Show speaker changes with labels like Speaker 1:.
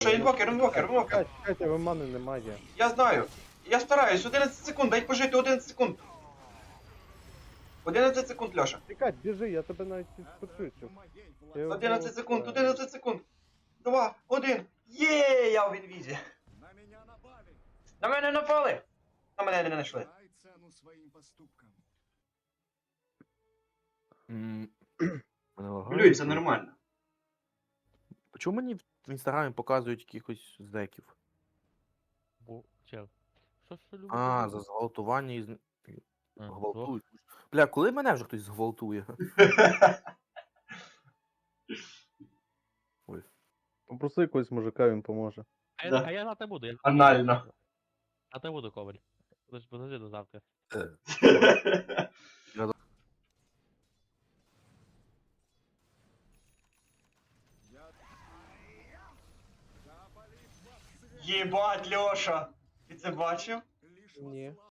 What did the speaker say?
Speaker 1: Інвокер.
Speaker 2: Чекайте, ви мани немає.
Speaker 1: Я знаю. Я стараюсь, 11 секунд, дай пожити 11 секунд. 11 секунд, Льоша.
Speaker 2: Чекай, біжи, я тебе навіть підспочую.
Speaker 1: 11 секунд, 11 секунд. 2, 1. Є, я в інвізі. На мене напали. На мене не знайшли. Блюй, це нормально.
Speaker 3: Чому мені в інстаграмі показують якихось зеків?
Speaker 4: Бо, чел. Що любить?
Speaker 3: А, за зґвалтування і
Speaker 4: А,
Speaker 3: гвалтують. Бля, коли мене вже хтось зґвалтує?
Speaker 2: Попроси якогось мужика, він поможе.
Speaker 1: Да.
Speaker 4: А я на те буду.
Speaker 1: Анально.
Speaker 4: А те буду, Коваль. Подожди до завтра.
Speaker 1: Єбать, Льоша. Ти це бачив?
Speaker 2: Ні.